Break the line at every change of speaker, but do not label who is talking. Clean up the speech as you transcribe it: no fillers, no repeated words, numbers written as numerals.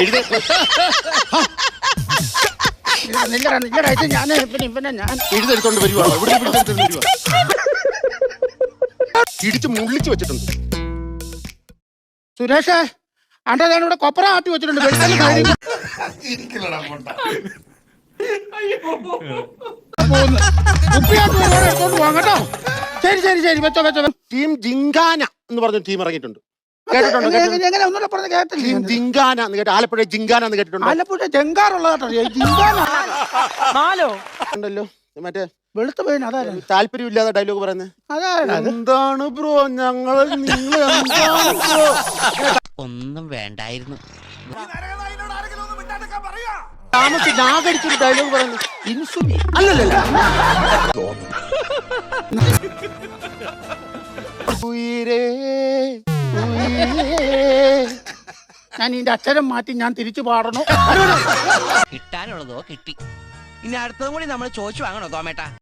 എഴുതെടുത്തോണ്ട് വരുവാണോ? ഇവിടെ പിടിച്ചെടുത്തോണ്ട് വരുവാ. ഇടിച്ച് മുള്ളിച്ച് വെച്ചിട്ടുണ്ട്.
സുരേഷേ, അണ്ട ഞാൻ ഇവിടെ കൊപ്പറ ആട്ടി വെച്ചിട്ടുണ്ട്. ഉപ്പിയാട്ട് എടുത്തോണ്ട് പോകാം കേട്ടോ. ശരി ശരി ശരി, വെച്ചോ വെച്ചോ.
ടീം ജിങ്കാന എന്ന് പറഞ്ഞ ടീം ഇറങ്ങിയിട്ടുണ്ട്. കേട്ടിട്ടുണ്ടോ?
എങ്ങനെ ഒന്നുകൂടെ പറഞ്ഞ് കേട്ടില്ല.
ടീം ജിങ്കാന എന്ന് കേട്ടോ. ആലപ്പുഴ ജിങ്കാന എന്ന് കേട്ടിട്ടുണ്ടോ?
ആലപ്പുഴ ജങ്കാറുള്ള കേട്ടോ. ജിങ്കാന
ഉണ്ടല്ലോ മറ്റേ
വെളുത്ത പേന. അതായത്
താല്പര്യമില്ലാതെ ഡയലോഗ് പറയുന്നത്.
അതായത്
എന്താണ് ബ്രോ നിങ്ങൾ എന്താണ് ബ്രോ?
ഒന്നും വേണ്ടായിരുന്നു.
താമസിച്ച് നാഗടിച്ചൊരു ഡയലോഗ് പറയുന്നു. ഇൻസുലി അല്ലല്ല.
ഞാൻ ഇതിന്റെ അക്ഷരം മാറ്റി ഞാൻ തിരിച്ചു പാടണോ?
കിട്ടാനുള്ളതോ കിട്ടി. ഇനി അടുത്തതും കൂടി നമ്മൾ ചോദിച്ചു വാങ്ങണോ തോമേട്ടാ?